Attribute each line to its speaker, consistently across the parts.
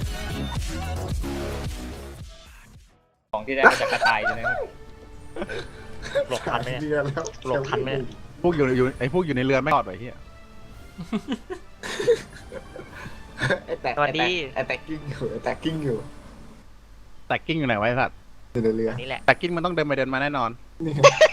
Speaker 1: ของที่ได้มาจากกระต่ายใช่ไหมครับ
Speaker 2: หลบทันไหม
Speaker 3: เรือแล้ว
Speaker 2: หลบทันไหม
Speaker 4: พวกอยู่ไอ้พวกอยู่ในเรือไม่รอดไปเฮีย
Speaker 3: ไอ้แตก
Speaker 2: สวัสดี
Speaker 3: ไอ้แตกกิ้งอยู่ไอ้แตกกิ้งอยู่
Speaker 4: แตกกิ้งอยู่ไหนไวะไอ้สัตว์
Speaker 3: อยู่ในเรือ
Speaker 2: นี่แหละ
Speaker 4: แตกกิ้งมันต้องเดินไปเดินมาแน่นอน
Speaker 3: นี่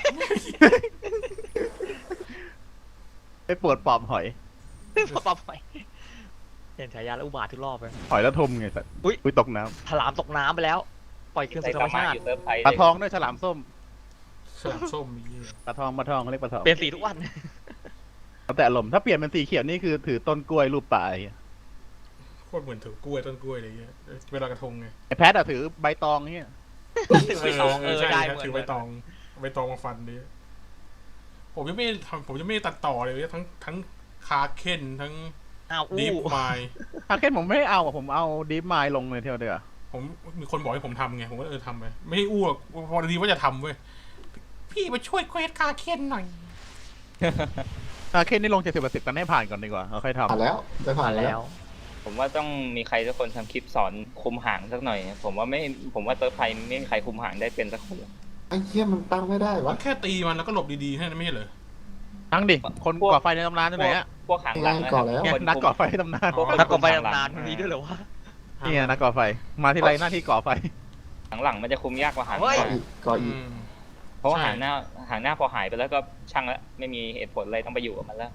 Speaker 4: ไปปวดปอบหอย
Speaker 2: ปอบไปเห็นฉายาแล้วอุบาททุกรอบเลย
Speaker 4: หอยแล้วทมไงสัตว์
Speaker 2: อุ๊ย
Speaker 4: อุ้ยตกน้
Speaker 2: ถลามตกน้ำไปแล้ว ปล่อยคืน
Speaker 1: ใส่
Speaker 2: สู่ธร
Speaker 1: ตาร
Speaker 2: ม
Speaker 1: มา
Speaker 2: ชาติ
Speaker 1: อยู่เซิร์ฟไทย
Speaker 4: ำปลาทองด้วยฉลามส้ม
Speaker 5: ฉลามส้มมี
Speaker 4: ปลาทองเขาเรียกปลาทอง
Speaker 2: เปลี่ยนสีทุกวัน
Speaker 4: แล้วแต่อารมณ์ถ้าเปลี่ยนเป็นสีเขียวนี่คือถือต้นกล้วยรูปปลาไอ้เหี้ย
Speaker 5: โคตรเหมือนถือกล้วยต้นกล้วยอะไรเงี้ยเวลากระทงไง
Speaker 4: ไอ้แพทอะถือใบตองเฮีย
Speaker 2: ถือใบตอง
Speaker 5: ใช่
Speaker 2: ได้
Speaker 5: ครับ
Speaker 2: เหมือน
Speaker 5: ถือใบตองมาฟันดิผมยังไม่ตัดต่อเลยทั้งคาเคนทั้ง
Speaker 2: อ้าว
Speaker 5: ดี
Speaker 2: อู้
Speaker 5: ฟไมล์
Speaker 4: ถ้าเคนผมไม่เอาอะผมเอาดีฟไมล์ลงเลยเที่ยวเดียว
Speaker 5: ผมมีคนบอกให้ผมทำไงผมก็ทำไปไม่ให้อ้วกพอดีว่าจะทำเว้ยพี่มาช่วยเควสคาเคนหน่อย
Speaker 4: ถ้าเคนนี่ลง70%กันให้ผ่านก่อนดีกว่าเราค่อย
Speaker 3: ผ่าน
Speaker 4: ทำ
Speaker 3: แล้วได้ผ่าน
Speaker 2: มา
Speaker 3: แล้
Speaker 2: แล้ว ว
Speaker 1: ผมว่าต้องมีใครสักคนทำคลิปสอนคุมหางสักหน่อย ผมว่าเซิร์ฟไทยไม่มีใครคุมหางได้เป็นสักคนหรอก
Speaker 3: ไอ้เหี้ยมันตั้งไม่ได้วะ
Speaker 5: แค่ตีมันแล้วก็หลบดีๆแค่นั้นไม่ใช่เหรอ
Speaker 4: ทั้งดิคนก่อไฟในตำนานที่ไหนอะ
Speaker 1: พวกหางหลังนะ
Speaker 3: ก่อนแล้ว
Speaker 4: เนี่ยนักก่อไฟในตำนาน
Speaker 5: อ๋อ
Speaker 2: นักกบไปนานมันมีด้วยเหรอวะ
Speaker 4: นี่ไงนักก่อไฟมาที่ไรหน้าที่ก่อไฟ
Speaker 1: หางหลังมันจะคุมยากกว่าหางห
Speaker 2: เฮ้ย
Speaker 1: น้า
Speaker 3: ก่ออีก
Speaker 1: เพราะว่าหางหน้าพอหายไปแล้วก็ช่างแล้วไม่มีเหตุผลอะไรต้องไปอยู่กับมันแล้ว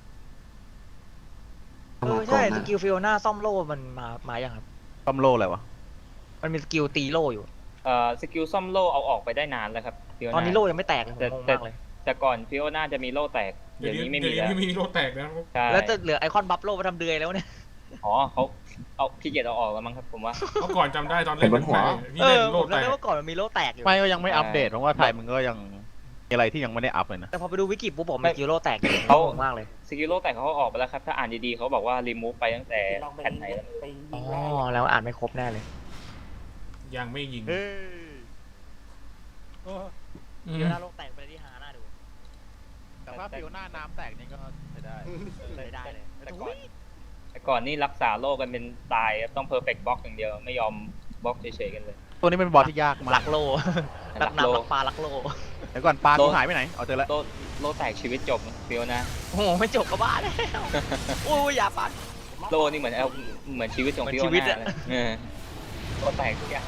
Speaker 2: ใช่สกิลฟิโอน่าซ่อมโล่มันมายังครับ
Speaker 4: ต้มโลอะไรวะ
Speaker 2: มันมีสกิลตีโล่อยู่
Speaker 1: สกิลซ่อมโล่เอาออกไปได้นานแล้วครับ Fiona
Speaker 2: ตอนนี้โล่ยังไม่แตกเลยผมงงมากเลย
Speaker 1: แต่ก่อนฟิโอน่าจะมีโล่แตกเดี๋ยวนี้ไม่มีแล้ว
Speaker 5: ไม่มีโลแตกนะ
Speaker 1: ใช่
Speaker 2: แล้วจะเหลือไอคอนบัฟโล่มาทำเดือยแล้วเนี่ย
Speaker 1: อ๋อเขาเอาขี้เกียจเอาออกแล้วมั้งครับผมว่า
Speaker 5: เมื่อก่อนจำได้ตอนเล่นพี่
Speaker 2: เอ
Speaker 5: เล่
Speaker 2: อน
Speaker 5: โล
Speaker 2: ผม
Speaker 5: แต
Speaker 2: จำ
Speaker 5: ก
Speaker 2: ได้ว่าก่อนมันมีโล่แตกอยู่
Speaker 4: ไม่ก็ยังไม่อัปเดตเพราะว่าไทยมันก็ยังมีอะไรที่ยังไม่ได้อัปเลยนะ
Speaker 2: แต่พอไปดูวิกิปุ๊บบอกมีสกิลโล่แตกอยู่
Speaker 1: เขา
Speaker 2: งงมากเลย
Speaker 1: สกิลโล่แตกเขาเอาออกไปแล้วครับถ้าอ่านดีๆเขาบอกว่ารีมูฟไปตั้งแต่แผ่นไหนแล้ว
Speaker 2: อ๋อแล้วอ่านไม่ครบแน่เลย
Speaker 5: ยังไม่ยิง
Speaker 2: เดี๋ยวหน้าโล่แตกไปเลยที่หาหน้าดู
Speaker 4: แต่ถ้าฟิวหน้าน้ำแตกนี่ก็ใช้ได้
Speaker 2: เลยได้เลย
Speaker 1: แต่ก่อนนี่รักษาโล่กันเป็นตายครับต้องเพอร์เฟกต์บล็อกอย่างเดียวไม่ยอมบล็อกเฉยๆกันเลย
Speaker 4: ตัวนี้เป็นบอสที่ยากมา
Speaker 2: ลั
Speaker 4: ก
Speaker 2: กโล่ลักน้ำลักปลาลักโล่
Speaker 4: เดี๋ยวก่อนปลากูหายไปไหนเอาเจอแล้ว
Speaker 1: โล่แตกชีวิตจบฟิโอน่า
Speaker 2: โอ้โหไม่จบก็บ้าแล้วอุ้ยอย่าปัด
Speaker 1: โล่นี่เหมือนชีวิตของ
Speaker 2: เหมือน
Speaker 1: ฟิโอ
Speaker 2: ชีวิต
Speaker 1: น่า
Speaker 2: อะ
Speaker 1: เลยโล่แตกทุกอย่าง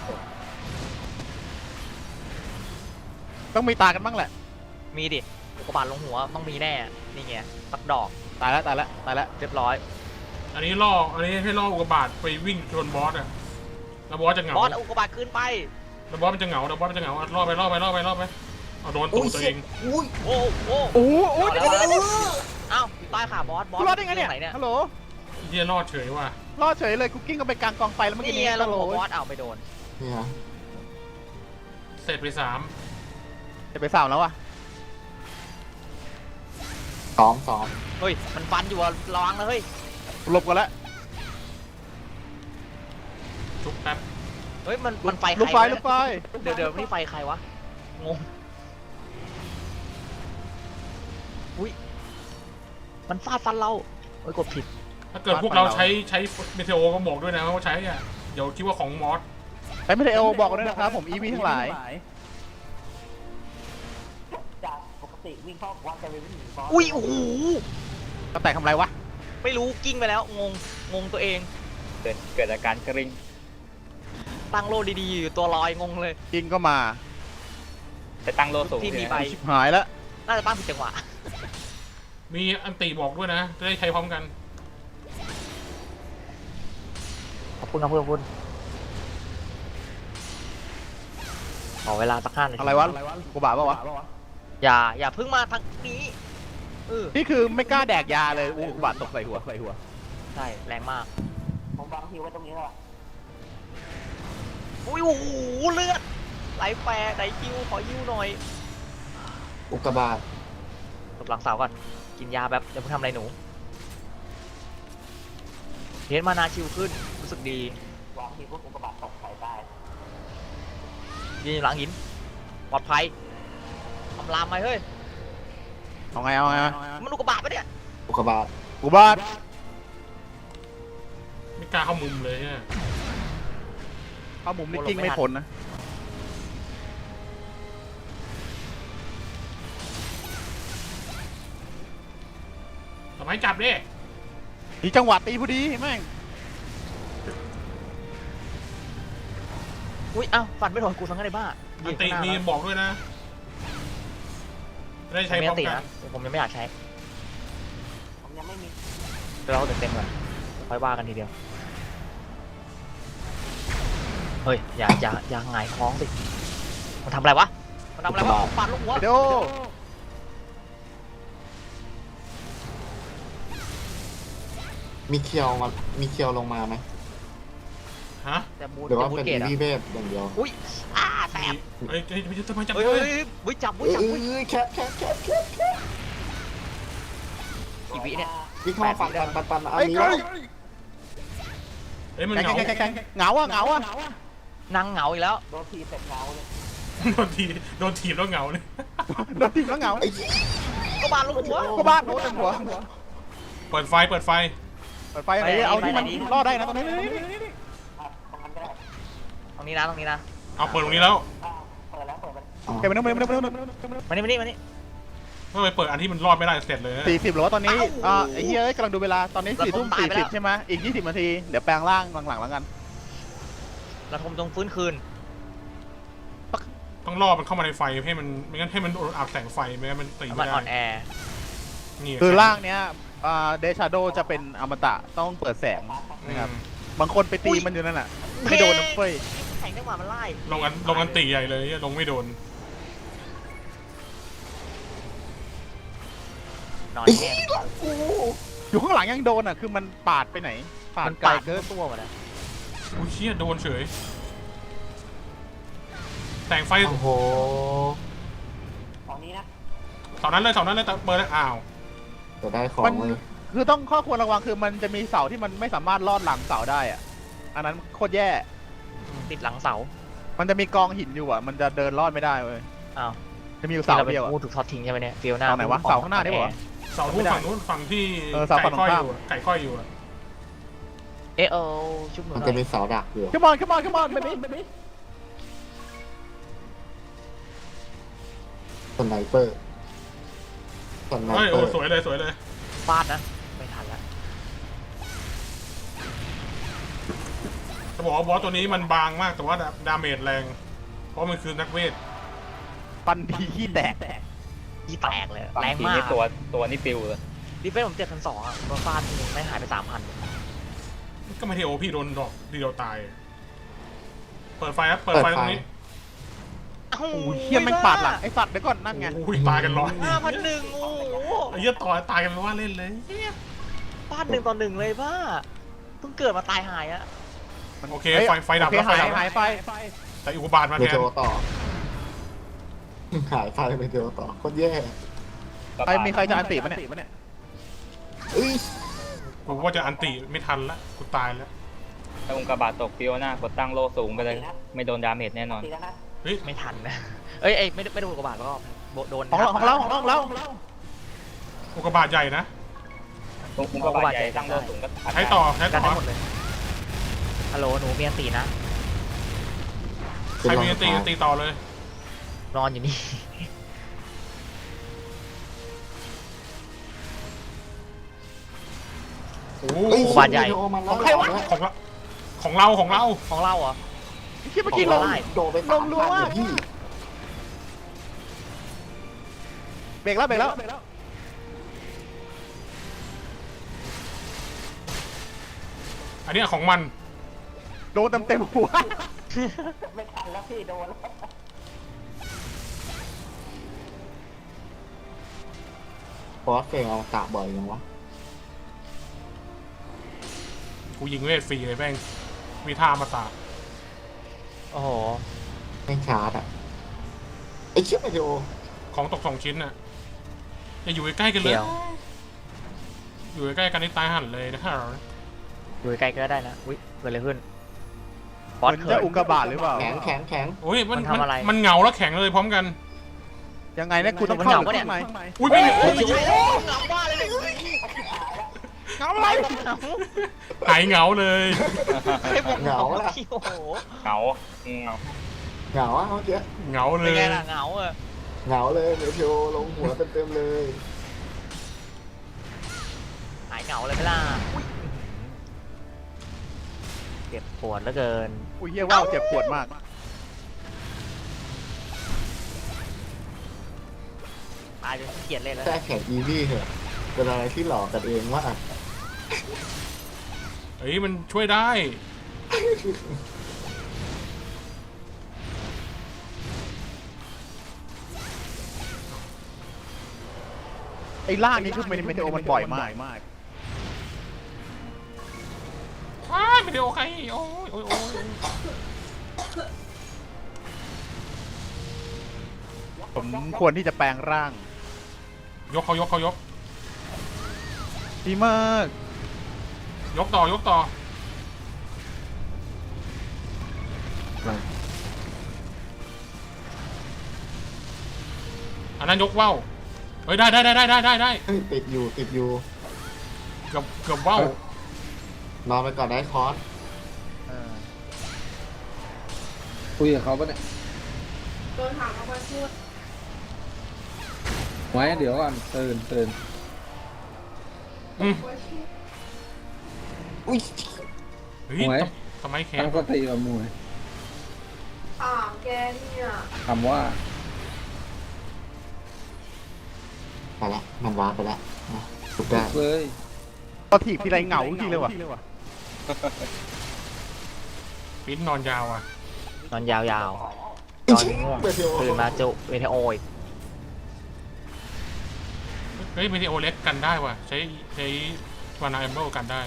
Speaker 4: ต้องมีตากันบ้างแหละ
Speaker 2: มีดิอุกกาบาตลงหัวต้องมีแน่นี่ไงสักดอก
Speaker 4: ตายแล้ว
Speaker 2: เรียบร้อย
Speaker 5: อันนี้ให้ล่ออุกกาบาตไปวิ่งชนบอสอะแล้วบอสจะเหงา
Speaker 2: บอสเอาอุกกาบาตขึ้นไป
Speaker 5: แล้วบอสมันจะเหงาล่อไปเอาโดนตูดตัวเอง
Speaker 3: อุ้ย
Speaker 2: โอ้โอ้
Speaker 4: โอ้โห
Speaker 2: เอ้าอยู่ใต้ขาบอส
Speaker 4: รอดได้ไงเนี่ย
Speaker 2: ไหนเนี่ย
Speaker 4: ฮัลโหล
Speaker 5: เยี่ยรอดเฉยว่ะ
Speaker 4: รอดเฉยเลยคุกกิ้งก็ไปกลางกองไฟแล้วเมื่อกี้
Speaker 2: นี่
Speaker 4: นี้
Speaker 2: ไงเรา
Speaker 4: ฮัลโหล
Speaker 2: บอสเอาไปโดน
Speaker 3: นี่ฮะ
Speaker 5: เสร็จไป3
Speaker 4: จะไปสาวแล้ววะ
Speaker 3: ซ้อม
Speaker 2: เฮ้ยมันฟันอยู่อะระวังนะเฮ้ย
Speaker 4: หลบกันแล้ว
Speaker 5: ชุบแป๊บ
Speaker 2: เฮ้ยมันไฟใคร
Speaker 4: ลูกไฟ
Speaker 2: วะ
Speaker 4: ลูกไฟ
Speaker 2: เดี๋ยวนี่ไฟใครวะงงอุ้ยมันฟาดฟันเราเฮ้ยกดผิด
Speaker 5: ถ้าเกิดพวกเราใช้เมเทโอก็บอกด้วยนะว่าใช้อะเดี๋ยวคิดว่าของมอส
Speaker 4: ใช้ไม่ได้เอลบอกกันด้วยนะครับผมอีวีทั้งหลาย
Speaker 6: จากปกติวิ่งเข้าวัดจะไปวิ่งหนีบอส
Speaker 2: อุ้ยโอ้โห
Speaker 4: ก็แตกทำไรวะ
Speaker 2: ไม่รู้กิ้งไปแล้วงงตัวเอง
Speaker 1: เกิดอาการกริ้ง
Speaker 2: ตั้งโลดีๆอยู่ตัวลอยงงเลย
Speaker 4: จริงก็มา
Speaker 1: แต่ตั้งโล่สูง
Speaker 2: ที่มี
Speaker 1: เนี่ย
Speaker 2: ใบ
Speaker 4: ชิบหายแล้ว
Speaker 2: น่าจะตั้งผิดจังหวะ
Speaker 5: มีอันติบอกด้วยนะจะได้ใช้พร้อมกัน
Speaker 2: ขอบคุณครับเพื่อนคุณขอเวลาสัก5 นาที
Speaker 4: อะไรวะกูบาปะวะ
Speaker 2: อย่าเพิ่งมาทางนี้
Speaker 4: นี่คือไม่กล้าแดกยาเลยอู้บาดตกใส่หัว
Speaker 2: ใช่แรงมาก
Speaker 6: ผมวางฮิวไว้ตรงนี้แล้ว
Speaker 2: อุ้ยโอ้โหเลือดไหลแปรไหลคิวขอยิวหน่อย
Speaker 3: อุกกาบาต
Speaker 2: หลบหลังเสาก่อนกินยาแบบจะเพิ่งทำอะไรหนูเห็นมานาชิวขึ้นรู้สึกดี
Speaker 6: วางฮิวพวกอุกกาบาตตกใส่ได้
Speaker 2: ยืนอยู่หลังหินปลอดภัยทำลามไหมเฮ้ย
Speaker 4: เอาไง
Speaker 2: มันอุกกาบาตปะเนี่ย
Speaker 3: อุกกาบาต
Speaker 4: กูบาด
Speaker 5: ไม่กล้าเข้ามุมเลยเนี่ย
Speaker 4: เข้ามุมนี่กิ้งไม่พ้นนะ
Speaker 5: ทำไมจับดิ
Speaker 4: ดีจังหวะตีพอดีแม่ง
Speaker 2: อุ้ยอ้าวฟันไม่โดนกูทั้งนั้นเลยบ้า
Speaker 5: อันติมีบอกด้วยนะได้
Speaker 2: ผม
Speaker 5: ใช้
Speaker 2: ไม่
Speaker 5: พร้อม
Speaker 2: ติ
Speaker 5: กัน
Speaker 2: นะผมยังไม่อยากใช้
Speaker 6: ผมยังไม่มี
Speaker 2: เดี๋ยวเราเต็มก่อนค่อยว่ากันทีเดียวเฮ้ยอย่าหงายท้องสิมันทำอะไรวะมันทำอะไรวะฟันลูกหัว
Speaker 4: เดี๋ยว
Speaker 3: มีเคียวลงมาไหม
Speaker 5: ฮะ
Speaker 2: แต่บูท
Speaker 3: หรือว่า
Speaker 2: บูท
Speaker 3: เป็น
Speaker 2: เกต
Speaker 3: อี
Speaker 2: อะ
Speaker 3: วีเวฟอย่างเดียว
Speaker 2: อุ้ยแสบ
Speaker 5: เอ้ยทำไมจับ
Speaker 2: เฮ้ย
Speaker 5: เล
Speaker 2: เฮ้
Speaker 5: ย
Speaker 2: ยวิจับ
Speaker 3: เอ้
Speaker 2: วิจับ
Speaker 3: ยแคป
Speaker 2: กี่วิเนี่ย
Speaker 3: วิ่งเข้ามาปันอัน
Speaker 4: ไอ้
Speaker 3: นี้
Speaker 4: ก้อย
Speaker 5: เอ้ยมัน
Speaker 4: แข็ง
Speaker 5: เหงา
Speaker 4: แข็งเหงาอ่ะเหงาอ่ะ
Speaker 2: นางเหงาอีกแล้ว
Speaker 6: โดนทีเสร็จเงาเลย
Speaker 5: โดนถีบแล้วเหงาเลย
Speaker 4: โดนทีมแล้วเหงา
Speaker 3: ไอ้
Speaker 2: ก็บานลูกหัว
Speaker 4: ก็บ้านโดนเต็มหัว
Speaker 5: เปิดไฟ
Speaker 4: เปิดไฟไหนเอาที่มันรอดได้นะตรงนี้
Speaker 6: อ่ะตรงนั้นก็ได้
Speaker 2: ตรงนี้นะตรงนี้นะ
Speaker 5: เอาเปิดตรงนี้แล้ว
Speaker 6: อ่ะเปิดแล้วเปิดไป
Speaker 4: แกไปนู่นไปนู่นไปนู่น
Speaker 2: มานี่
Speaker 5: ไม่ไปเปิดอันที่มันรอดไม่ได้เสร็จเลย
Speaker 4: 40หรือว่าตอนนี้ไอ้เหี้ยกำลังดูเวลาตอนนี้4:40ใช่ไหมอีก20นาทีเดี๋ยวแปลงร่างหลังๆแล้วกัน
Speaker 2: ระทมจงฟื้นคืน
Speaker 5: ต้องล่อมันเข้ามาในไฟให้มันไม่งั้นให้มันโดนอับแสงไฟไม่งั้นมันตี
Speaker 2: มั
Speaker 5: ไม่
Speaker 2: น
Speaker 5: ได้
Speaker 2: อ่อนแอ
Speaker 5: นี่
Speaker 4: คือร่างเนี้ยเดชาโดจะเป็นอมตะต้องเปิดแสงนะครับบางคนไปตีมันอยู่นั่นแหละไม่โดนน้ำเฟ้ย
Speaker 2: แข่งจังหวะมันไล่
Speaker 5: ลงอันตีใหญ่เลยลงไม่โดน
Speaker 2: นอนแห้ง
Speaker 4: อยู่ข้างหลังยังโดนอ่ะคือมันปาดไปไหนปาด
Speaker 2: มัน
Speaker 4: ไกล
Speaker 2: ปาด
Speaker 4: เกิน
Speaker 2: ตัวหมดนะ
Speaker 5: อุ้ยเชี่ยโดนเฉยแสงไฟ
Speaker 3: โอ้โห
Speaker 6: ตอนนี้นะ
Speaker 5: เสานั้นเลยแต่เปิดแล้วอ้าว
Speaker 3: จะได้ของ
Speaker 4: มัน
Speaker 3: เลย
Speaker 4: คือต้องข้อควรระวังคือมันจะมีเสาที่มันไม่สามารถลอดหลังเสาได้อ่ะอันนั้นโคตรแย่
Speaker 2: ติดหลังเสา
Speaker 4: มันจะมีกองหินอยู่อ่ะมันจะเดินลอดไม่ได้เว้ย
Speaker 2: อ้าว
Speaker 4: จะมีอยู่เสาเดียวอ่ะ
Speaker 2: พูดถูกทอดทิ้งใช่ไหมเนี่ยฟิลหน้า
Speaker 4: เสาไหนวะเสาข้างหน้านี่ปะวะ
Speaker 5: เสาทุ่ฝั่งนู้นฝั่งที่
Speaker 4: เสาฝั่
Speaker 5: ไก่
Speaker 4: ง
Speaker 5: ค่อย
Speaker 4: ตรง
Speaker 5: อ
Speaker 4: ข้าม
Speaker 5: ยู่ไก่ค่อยอยู่
Speaker 2: ชุบหนู
Speaker 3: มัน
Speaker 2: หน่
Speaker 3: จะ
Speaker 2: อย
Speaker 3: มีเสาดักอยู่
Speaker 4: come on come on come on baby
Speaker 3: สไนเปอร์สไน
Speaker 5: เฮ้ย
Speaker 3: เป
Speaker 5: โอ้
Speaker 3: อร์
Speaker 5: สวยเลย
Speaker 2: ฟาดนะไม่ทันละ
Speaker 5: จะบอกว่าบอสตัวนี้มันบางมากแต่ว่าดาเมจแรง เพราะมันคือนักเวท
Speaker 4: ปันดีขี้แตก
Speaker 2: ยี่แตกเลย
Speaker 1: บาง
Speaker 2: แรง
Speaker 1: ที
Speaker 2: มาก
Speaker 1: นี่ตัวนี่ปิวเลย
Speaker 2: ดิเฟนผม7,200อ่ะโดนฟาดทีนึงไม่หายไป3,000
Speaker 5: ก็ไม่ใช่โอพี่โดนดอกทีเดียวตาย เปิดไฟครับเปิดไฟตรงนี้
Speaker 4: โอ้ยเฮียแม่งปาดหลังไอ้สัตว์เดี๋ยวก่อนนั่นไง
Speaker 5: อุ้ยตายกันร้อย
Speaker 2: 5,100โอ้โห
Speaker 5: ไอ้เหี้ยต่อตายกันไม่ว่าเล่นเลย
Speaker 2: ฟาด1-1เลยบ้าเพิ่งเกิดมาตายหายอะ
Speaker 5: โอเคไฟดับ
Speaker 4: โอเค
Speaker 5: แล้วไฟดับ
Speaker 4: หายไฟ
Speaker 5: แต่อุกกาบาตมา
Speaker 3: เม
Speaker 5: แท
Speaker 3: เท
Speaker 5: น
Speaker 3: โอต่อหายไฟเมเทโอต่อโคตรแย่
Speaker 4: ใครมีใครจะอันติปะเนี่ย
Speaker 3: เอ้ย
Speaker 5: กูว่าจะอันติไม่ทันละกูตายแล้ว
Speaker 1: ถ้าองค์กาบาตตกฟิโอน่ากดตั้งโล่สูงไปเลย ไม่โดนดาเมจแน่นอน
Speaker 6: ตีแล้วนะ
Speaker 5: เฮ้ย
Speaker 2: ไม่ทันนะเอ้ยไม่โดนกระบาดแล้วก็โดน
Speaker 4: ของเรา
Speaker 5: อุกกาบาตใหญ่นะ
Speaker 1: องค์กาบาตใหญ่ตั้งโล่สูงก็
Speaker 5: ใช้ต่อ
Speaker 2: กันได้หมดเลยฮัลโหลหนูเมียนตีนะ
Speaker 5: ใครมีอันตีต่อเลย
Speaker 2: นอนอยู่นี่
Speaker 5: โอ้
Speaker 3: เอ้ย
Speaker 2: บาทใหญ่
Speaker 3: เมเทโอมาแล้ว
Speaker 4: ของใครวะ
Speaker 5: ของเรา
Speaker 2: ของเราเหรอ
Speaker 4: คิดเมื่อกี้ลง
Speaker 3: โดนไปสาม
Speaker 4: ลงรัว
Speaker 3: พัน
Speaker 4: มาก
Speaker 3: เลยพี่
Speaker 4: เบรกแล้ว
Speaker 5: อันนี้ของมัน
Speaker 4: โดนเต็มหัว
Speaker 6: ไม่ทันแล้วพี่โดนแล้ว
Speaker 3: เพราะว่าเฟงเอาตะบ่อยยังวะ
Speaker 5: กูยิงเวทฟรีเลยแม่งมีท่ามาตา
Speaker 2: โอ้โห
Speaker 3: แม่งชาร์จอ่ะไอ้เชี่ยเมเทโอ
Speaker 5: ของตก2 ชิ้นน่ะอย่าอยู่ใกล้ๆกันเลย
Speaker 2: เดี๋ยว
Speaker 5: อยู่ใกล้ๆกันนี่ตายหันเลยนะฮะ
Speaker 2: อยู่ไกลก็ได้นะอุ้ยเกิดอะไรขึ้น
Speaker 4: เหมือนจะอุกกาบาตหรือเปล่า
Speaker 3: แข็ง
Speaker 5: โอ้ยมัน
Speaker 2: มันทำอะไร
Speaker 5: มันเหงาแล้วแข็งเลยพร้อมกัน
Speaker 4: ยังไงเนี่ยกูต้องเข้า
Speaker 2: มันเหงาปะเนี่ย
Speaker 4: ข้างใน
Speaker 5: อุ้ยไม่
Speaker 2: โอ้ยเหงาบ้าเลย
Speaker 5: เหงาอะไร
Speaker 2: ให้ผมเหงา
Speaker 5: หายเหงาเลย
Speaker 2: ให้ผมเหงา
Speaker 3: เหงาล่ะ
Speaker 2: พี่โอ้โห
Speaker 1: เหงาเหงา
Speaker 3: เหงาอะเมื่อกี้
Speaker 5: เหงาเล
Speaker 2: เป็น
Speaker 5: ย
Speaker 2: ไงล่ะเหงาอะ
Speaker 3: เหงาเลยเมเทโอลงหัวเต็มๆเลย
Speaker 2: หายเหงาเลยไหมล่ะอุ๊ยเจ็บปวดเหลือเกิน
Speaker 4: อุ้ยเฮียว่าวเจ็บปวดมาก
Speaker 2: ตายจนขี้เกียจเล่นแล้ว
Speaker 3: แค่แข่งอีวี่เหอะเป็นอะไรที่หลอกกันเองว่า
Speaker 5: เฮ้ยมันช่วยได้
Speaker 4: ไอ้ล่างนี้คือเมเทโอมันบ่อยมาก
Speaker 5: ว้าไม่ได้โอเคโอ้ยโอ้ยโอ้ย
Speaker 4: ผมควรที่จะแปลงร่าง
Speaker 5: ยกเขายก
Speaker 4: ดีมาก
Speaker 5: ยกต่ออันนั้นยกว่าวเฮ้ยได้
Speaker 3: เฮ้ยติดอยู่
Speaker 5: เกือบว่าวน
Speaker 3: อนไปก่อนได้คอร์ส
Speaker 7: คุยกับเขาปะเนี่ยโดนถามเขามาพูดไว้เดี๋ยวก่อนตื่น
Speaker 3: อุ้ย
Speaker 5: เฮ้ย
Speaker 7: หวย
Speaker 5: ทำไมแข
Speaker 7: ตั้
Speaker 5: น
Speaker 7: งสติกับมวย
Speaker 8: ถามแกเนี่ย
Speaker 7: คำว่า
Speaker 3: ไปละมันว้าไปละนะถูกได้
Speaker 7: เลย
Speaker 4: พอถีบทีไรเหงาทีเลยว่ะ
Speaker 5: ปิ้นนอนยาวอ่ะ
Speaker 2: นอนยาว
Speaker 3: อี
Speaker 2: นอน
Speaker 3: ชิ
Speaker 2: ง่วง
Speaker 3: เมเทโอ
Speaker 2: ๆตื่นมาจุเวทโออีก
Speaker 5: เฮ้ยไม่ได้โอเล็กกันได้ว่ะใช้วานาเอมเบิลกันได้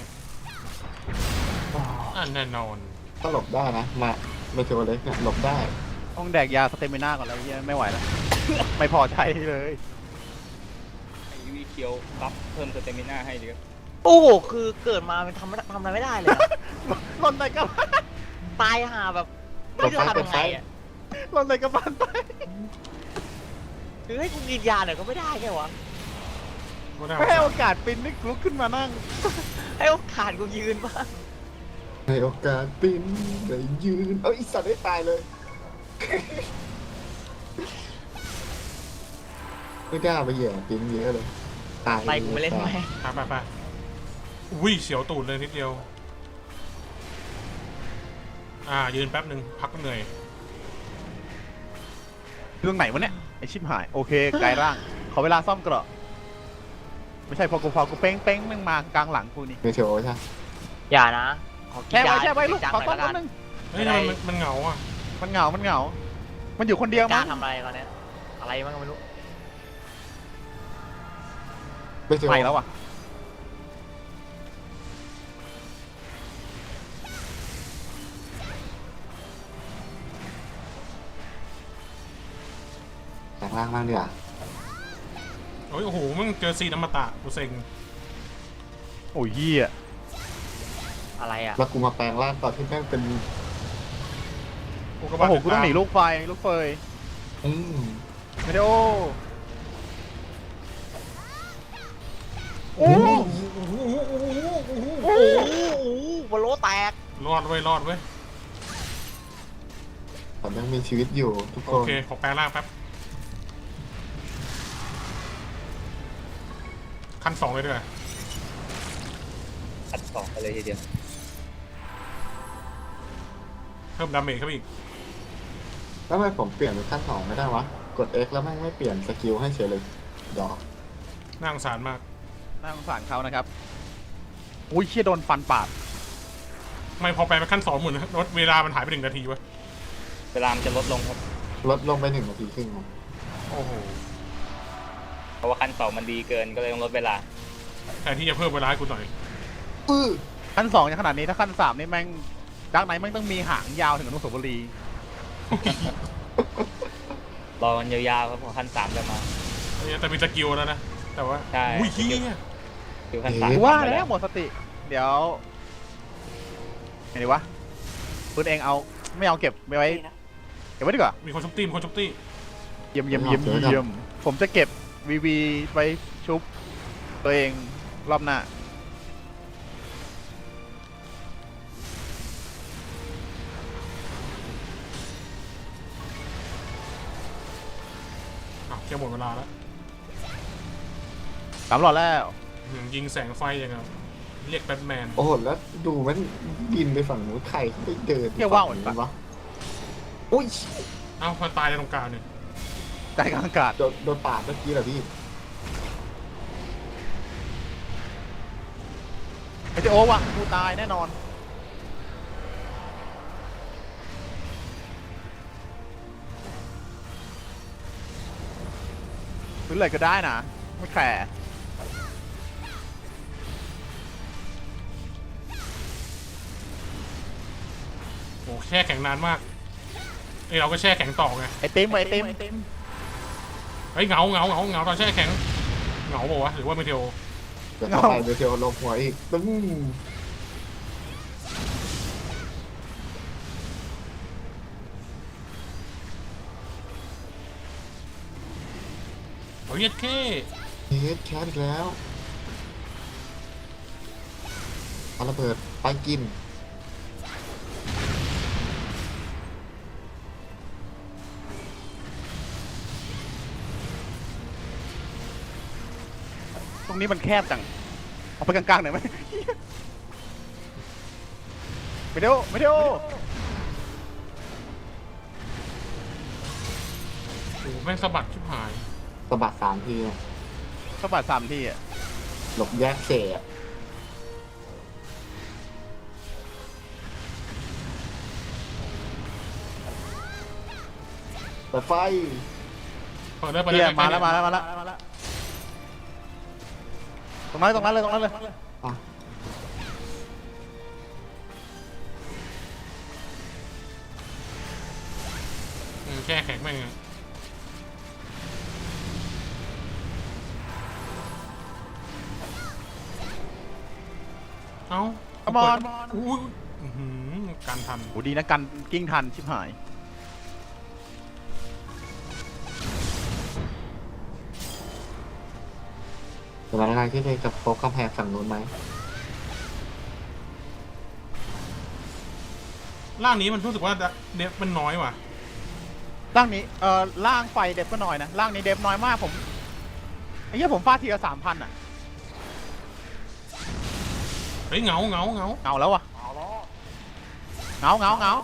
Speaker 5: อันแน่นอน
Speaker 3: ก็หลบได้นะมาเมเทโอเล็กเนี่ยหลบได้
Speaker 4: ต้องแดกยาสเตมิน่าก่อนแล้วเฮียไม่ไหวแล้ว ไม่พอใจเลย
Speaker 1: ไอวีเคียวรับเพิ่มสเตมิน่าให้ดีครับ
Speaker 2: โอ้โหคือเกิดมามันทำอะไรไม่ได้เลยอะ
Speaker 4: หล่นในกระบาล
Speaker 2: ตายห่าแบบไม่รู้จะทำยังไงอะ
Speaker 4: หล่นในกระบาลไป
Speaker 2: คือให้กูกินยาหน่อยก็ไม่ได้แค่วะ
Speaker 4: ไม่ให้โอกาสปินนี่ลุกขึ้นมานั่ง
Speaker 2: ให้โอกาสกูยืนบ้าง
Speaker 3: ในโอกาสปิ้นได้ยืนเอ้ยอีสัตว์ได้ตายเลย ไม่กล้าไปแย่ปิ้นเยอะเลยตาย
Speaker 2: ไปกูไม่เล่นไหม
Speaker 5: ไปอุ้ยเสียวตูดเลยนิดเดียว ยืนแป๊บหนึ่งพักเหนื่อย
Speaker 4: เรื่องไหนวะเนี่ยไอชิบหายโอเคกายร่าง ขอเวลาซ่อมเกราะไม่ใช่พอกูเป้งมึงมากลางหลังกูนี่
Speaker 3: เมเทโอใช่
Speaker 2: อย่านะขอกิน
Speaker 4: แช่
Speaker 2: ยา
Speaker 4: ไว้ลูก
Speaker 2: จัง
Speaker 4: ขอ
Speaker 2: หน่อย
Speaker 4: ซ่อม
Speaker 2: แล้วกัน
Speaker 4: นิดนึง
Speaker 5: เฮ้ยทำไมมันเหงาอ่ะ
Speaker 4: มันเหงามันอยู่คนเดียว
Speaker 2: กล้า
Speaker 4: มั้ง
Speaker 2: ทำอะไรตอนเนี้ยอะไรบ้างก็ไม่รู้
Speaker 3: เมเทโอ
Speaker 4: ไปแล้วอ่ะ
Speaker 3: แต่งร่างบ้างดีกว่า
Speaker 5: โอ้โหมึงเจอซีนอมตะกูเซ็ง
Speaker 4: โอ้ยเหี้ย
Speaker 2: อะไรอ่ะ
Speaker 3: แล้วกูมาแปลงร่างตอนที่แม่งเป็น
Speaker 4: โอ้โหกูต้องหนีลูกไฟลูกเฟย
Speaker 3: อืม
Speaker 4: ไม่ได้โอ้
Speaker 3: โอ้โห
Speaker 2: โอ้โหบอลโลแตก
Speaker 5: รอดเว้ย
Speaker 3: ผมยังมีชีวิตอยู่ทุกค
Speaker 5: โอน เคขอแปลงร่างแป๊บขั้น2เลยด้วย
Speaker 1: อัดสองไปเลยทีเดียว
Speaker 5: เพิ่มดาเมจเข้าไปอีก
Speaker 3: แล้วทำไมผมเปลี่ยนเป็นขั้น 2ไม่ได้วะ กด X แล้วแม่งไม่เปลี่ยนสกิลให้เฉยเลยดอก
Speaker 5: น่าสงสารมาก
Speaker 4: น่าสงสารเขานะครับอุ้ยเชี่ยโดนฟันปาด
Speaker 5: ไม่พอแปลงเป็นขั้น2เหมือนลดเวลามันหายไป1 นาทีวะ
Speaker 1: เวลามันจะลดลงครับ
Speaker 3: ลดลงไป1 นาทีครึ่งครับ
Speaker 4: โอ้โห
Speaker 1: เพราะว่าขั้นสองมันดีเกินก็เลยต้องลดเวลา
Speaker 5: แทนที่จะเพิ่มเวลาให้กูหน่อย
Speaker 4: ขั้น2อย่างขนาดนี้ถ้าขั้น3นี่แม่งดักไหนแม่งต้องมีหางยาวถึงอนุสาวรีย์
Speaker 1: รอกันยาวๆครับพอขั้นสามจะมา
Speaker 5: แต่มีสกิลแล้วนะ แต่ว่า
Speaker 1: ใช่
Speaker 5: อุ้ยเฮีย
Speaker 1: คือขั้นสาม
Speaker 4: ว่าแล้วหมดสติ เดี๋ยวไงดีวะปืนเองเอาไม่เอาเก็บไว้
Speaker 6: นี่นะ
Speaker 4: เก็บไว้ดีกว่า
Speaker 5: มีคนชุบตี้
Speaker 4: เยี่ยมผมจะเก็บวีไปชุบตัวเองรอบหน้า
Speaker 5: จะหมดเวลาแล้ว
Speaker 4: 3 หลอดแล้ว
Speaker 5: ยิงแสงไฟอย่างเงี้ยเรียกแบทแมน
Speaker 3: โอ้โหแล้วดูมันบินไปฝั่งนู้นใครไปเดิน
Speaker 4: เที่ยวว่าวเหมือน
Speaker 3: ฝั่
Speaker 4: ปะ
Speaker 3: งวะอุ้ย
Speaker 5: เอ้ามันตายในตรงกลางเนี่ย
Speaker 4: ใจกลางอากาศ
Speaker 3: โดนปาดเมื่อกี้เหรอพี่
Speaker 4: ไอเจโอว่ะกูตายแน่นอนซื้ออะไรก็ได้นะไม่แคร์
Speaker 5: โอ้แช่แข็งนานมากเราก็แช่แข็งต่อไง
Speaker 4: ไอติมไอติม
Speaker 5: เฮ้ยเหงาตอนแช่แข็งเหงาบอกว่าวะหรือว่าไม่เทียว
Speaker 3: เดี๋ยวต่อไปเดี๋ยวเทลลงหัวอีกตึ้ง
Speaker 5: เฮ้ยเย็ดเข้
Speaker 3: เฮ็ดแคสอีกแล้วเอาระเบิดไปกิน
Speaker 4: ตรงนี้มันแคบจังเอาไปกลางๆหน่อยไหมไม่เดียวไม่เดียว
Speaker 5: โอ้แม่งสะบัดชิบหาย
Speaker 3: สะบัด3 ทีอะ
Speaker 4: สะบัด3 ทีอ่ะ
Speaker 3: หลบแยกเสะแต่ไฟ
Speaker 5: เปิดได้เปิด
Speaker 4: เฮีย
Speaker 5: ได้
Speaker 4: มาแล้วตรงนั้นเลย
Speaker 3: อ่ะ
Speaker 5: แช่แข็งแม่งอะเอ้า
Speaker 4: Come on
Speaker 5: อุ้ยการทัน
Speaker 4: โหดีนะกันกิ้งทันชิบหาย
Speaker 3: สถานการณ์ที่เลยกับโฟกกำแพงฝั่งนู้นไหม
Speaker 5: ร่างนี้มันรู้สึกว่าเดฟมันน้อยว่ะ
Speaker 4: ร่างนี้ร่างไฟเดฟก็น้อยนะร่างนี้เดฟน้อยมากผมไอ้เหี้ยผมฟาดทีละ 3,000 อ่ะ
Speaker 5: เฮ้ยเหงา
Speaker 4: เงาแล้วอ่ะ
Speaker 6: เอาแล้ว
Speaker 4: เงา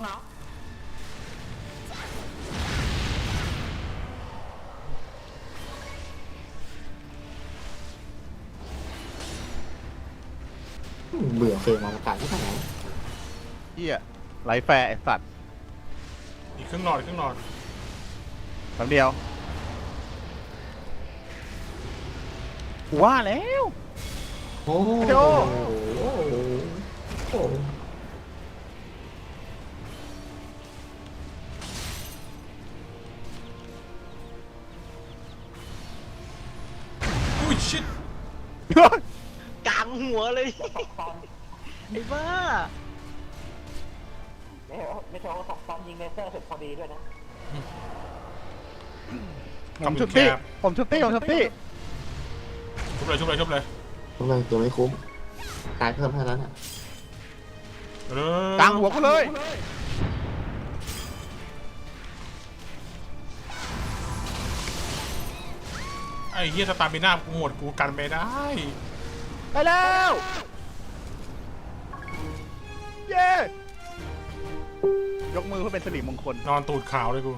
Speaker 3: เบื่อเฟรมอวกาศที่ไหน
Speaker 4: เหี้ยไหลแฟร์ไอสัตว์
Speaker 5: อีกครึ่งหลอด
Speaker 4: แป๊บเดียวกูว่าแล้ว
Speaker 3: โอ้โห
Speaker 4: โอ้
Speaker 3: โอ้โห
Speaker 5: อุ้ยชิต
Speaker 2: กลางหัวเลย
Speaker 6: ตอน
Speaker 2: ไอ้บ้า
Speaker 6: ไม่ใช่ว่าตอนยิงเลเซอร์เสร็จพอดีด้วยนะ
Speaker 4: ผมชุบตี้
Speaker 5: ชุบเลย
Speaker 3: ทุกเลยตัวไม่คุ้มตายเพิ่มให้แล้วเนี่ย
Speaker 4: กลางหัวกูเลย
Speaker 5: ไอ้เฮียสตาร์บิน่ากูหมดกูกันไม่ได้
Speaker 4: ไปแล้วเย้ยกมือเพื่อเป็นสิริมงคล
Speaker 5: นอนตูดขาวเลยกู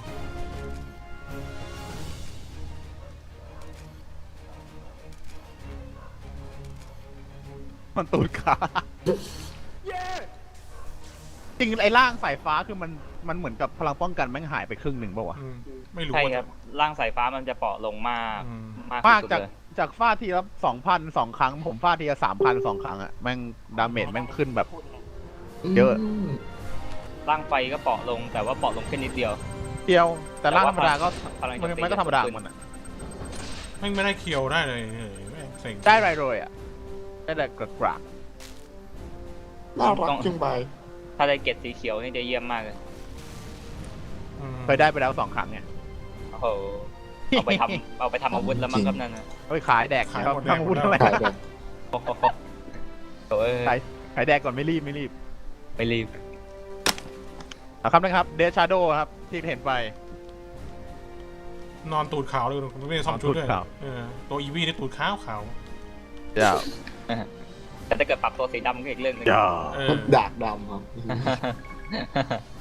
Speaker 4: มันตูดขาเย้จริงไอ้ร่างสายฟ้าคือมันเหมือนกับพลังป้องกันแม่งหายไปครึ่งหนึ่งป่าวะ
Speaker 5: ไม่รู้
Speaker 1: ใช่
Speaker 5: ว่า
Speaker 1: ครับร่างสายฟ้ามันจะเปราะลงมาก มาก
Speaker 4: มาก
Speaker 1: สุด
Speaker 4: จาก
Speaker 1: เลย
Speaker 4: จากฟาดทีละ 2,000 2 ครั้ง ผมฟาดทีละ 3,000 2 ครั้งอะแม่งดาเมจแม่งขึ้นแบบ เยอะ
Speaker 1: ร่างไฟก็เปราะลงแต่ว่าเปราะลงแค่นิดเดียว
Speaker 4: เดียว แต่ร่างธรรมดาก็
Speaker 1: พลังโจ
Speaker 4: มัน
Speaker 1: ตี
Speaker 4: ไม่ต้องธรรมดาของมันอะ
Speaker 5: แม่งไม่ได้เคียวได้เลยเฮ้ยแม่งเซ็ง
Speaker 4: ได้ไรโรยอะได้แต่กระก
Speaker 3: น่ารักจังไป
Speaker 1: ถ้าได้เกรดสีเขียวนี่จะเยี่ยมมากเลย
Speaker 4: เคยได้ไปแล้ว 2 ครั้งเนี่ย
Speaker 1: โอ้โหเอาไปทำอาวุธแล้วมั้งครับนั่นนะ
Speaker 4: เฮ้ยขายแดกครับทำพูดทำไม
Speaker 3: ขายแดก
Speaker 1: โอ้โหโอ้ย
Speaker 4: ขายแดกก่อนไม่รีบ
Speaker 1: ไม่รีบ
Speaker 4: เอาครับนะครับเดชาโดครับที่เห็นไป
Speaker 5: นอนตูดขาวเลยไม่ได้ซ่อมชุดด้วย
Speaker 4: ตูดขาว
Speaker 5: ตัวอีวีนี่ตูดขาวขาว
Speaker 4: เดี๋ยว
Speaker 1: แต่ถ้าเกิดปรับตัวสีดำก็อีกเรื่องหนึง
Speaker 4: เดี๋ยว
Speaker 5: เออ
Speaker 3: ดากดำครับ